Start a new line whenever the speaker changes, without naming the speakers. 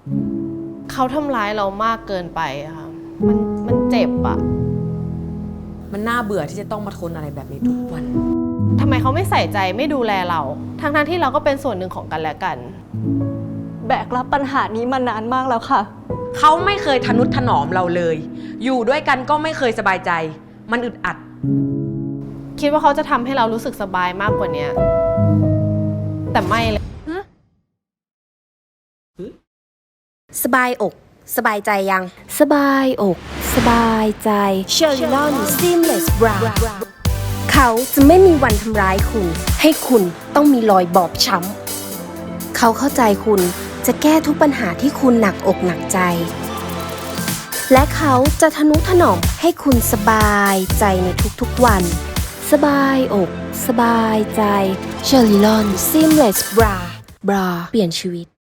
เขาทำร้ายเรามากเกินไปอะค่ะมันเจ็บอะ
มันน่าเบื่อที่จะต้องมาทนอะไรแบบนี้ทุกวัน
ทำไมเขาไม่ใส่ใจไม่ดูแลเรา ทั้งที่เราก็เป็นส่วนหนึ่งของกันและกัน
แบกรับปัญหานี้มานานมากแล้วค่ะ
เขาไม่เคยทนุถนอมเราเลย อยู่ด้วยกันก็ไม่เคยสบายใจ มันอึดอัด
คิดว่าเขาจะทำให้เรารู้สึกสบายมากกว่านี้แต่ไม่เลย
สบายอกสบายใจยังสบายอกสบายใจเชอร์ลอนซีมเลสบราเขาจะไม่มีวันทำร้ายคุณให้คุณต้องมีรอยบอบช้ำเขาเข้าใจคุณจะแก้ทุกปัญหาที่คุณหนักอกหนักใจและเขาจะทนุถนอมให้คุณสบายใจในทุกๆวันสบายอกสบายใจเชอร์ลอนซีมเลสบราเปลี่ยนชีวิต